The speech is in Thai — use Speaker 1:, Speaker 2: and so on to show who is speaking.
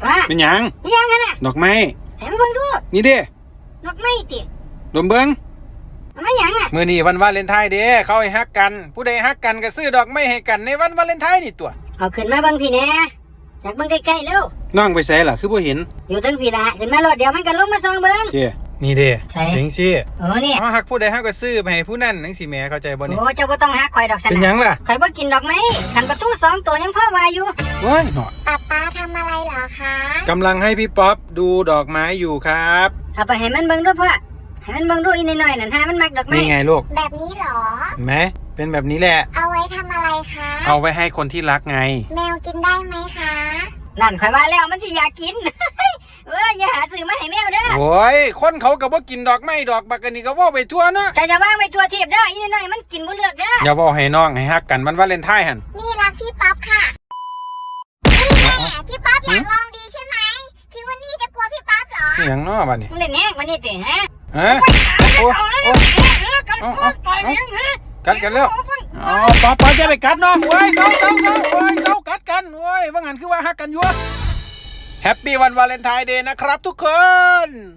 Speaker 1: ว่า
Speaker 2: เป็นหยัง
Speaker 1: กันน่ะ
Speaker 2: ดอกไม้
Speaker 1: ใส่มาเบิ่งดู
Speaker 2: นี่เด้
Speaker 1: ดอกไม้ติ
Speaker 2: ดมเบิ่ง
Speaker 1: มันไม่หยังน่ะ
Speaker 2: มื้อนี้วันวาเลนไทน์เด้เขาให้ฮักกันผู้ใดฮักกันก็ซื้อดอกไม้ให้กันในวันวาเลนไทน์นี่ตัว
Speaker 1: เอาขึ้นมาเบิ่งพี่แน่อยากเบิ่งใกล้ๆเร็ว
Speaker 2: น้องไปไสล่ะคือบ่เห็น
Speaker 1: อยู่ทั้งพี่ละขึ้นมารถเดี๋ยวมันก็ลงมาส่องเบิ่ง
Speaker 2: เด้นี่เด้จังซี่
Speaker 1: นี่
Speaker 2: เฮาฮักผู้ใดเฮาก็ซื้อไปให้ผู้นั้นจังซี่แหมเข้าใจบ่นี่
Speaker 1: โอ้เจ้าบ่ต้องฮักข่อยดอกซั่น
Speaker 2: เป็นหยังล่ะ
Speaker 1: ข่อยบ่กินดอกไม้คันประตู2ตัวยังพอว่าอยู่
Speaker 2: โอ้ยเนาะ
Speaker 3: ป๊าทำอะไรเหรอคะ
Speaker 2: กำลังให้พี่ป๊อปดูดอกไม้อยู่ครับ
Speaker 1: เอาไปให้มันเบิ่งดูพ่อให้มันเบิ่งดูอีน้อยๆนั่นหามันมักดอกไม้
Speaker 2: นี่ไงลูก
Speaker 3: แบบนี้เหรอ
Speaker 2: เห็นไหมเป็นแบบนี้แหละ
Speaker 3: เอาไว้ทำอะไรคะ
Speaker 2: เอาไว้ให้คนที่รักไง
Speaker 3: แมวกินได้ไหมคะ
Speaker 1: นั่นข่อยว่าแล้วมันสิอยากกินอย่าหาซื้อมาให้แมวเด้อ
Speaker 2: โอ้ยคนเขาก็บ่กินดอกไม้ดอกบักอันนี้ก็เว้าไปทั่วเนาะ
Speaker 1: จะวางไปทั่วทีบเด้ออีน้อยๆมันกินบ่เลือกเด้อ
Speaker 2: อย่าเว้าให้น้องให้ฮักกันวันวาเลนไทน์หั่น
Speaker 3: นี่รักพี่ป๊อปค่ะนี่แม่พี่ป๊อปอยากลองดีใช่ไหมคิดว่านี่จะกลัวพี่ป๊อปเหรอ
Speaker 2: หยังเนาะบัดนี้
Speaker 1: มึงเล่นแฮกมานี่ติฮะ
Speaker 2: โอ้กัดกันแล้วป๊อปจะไปกัดน้องโอ้ยเซาโอ้ยเซากัดกันโอ้ยว่างั้นคือว่าฮักกันอยู่แฮปปี้วันวาเลนไทน์เดย์นะครับทุกคน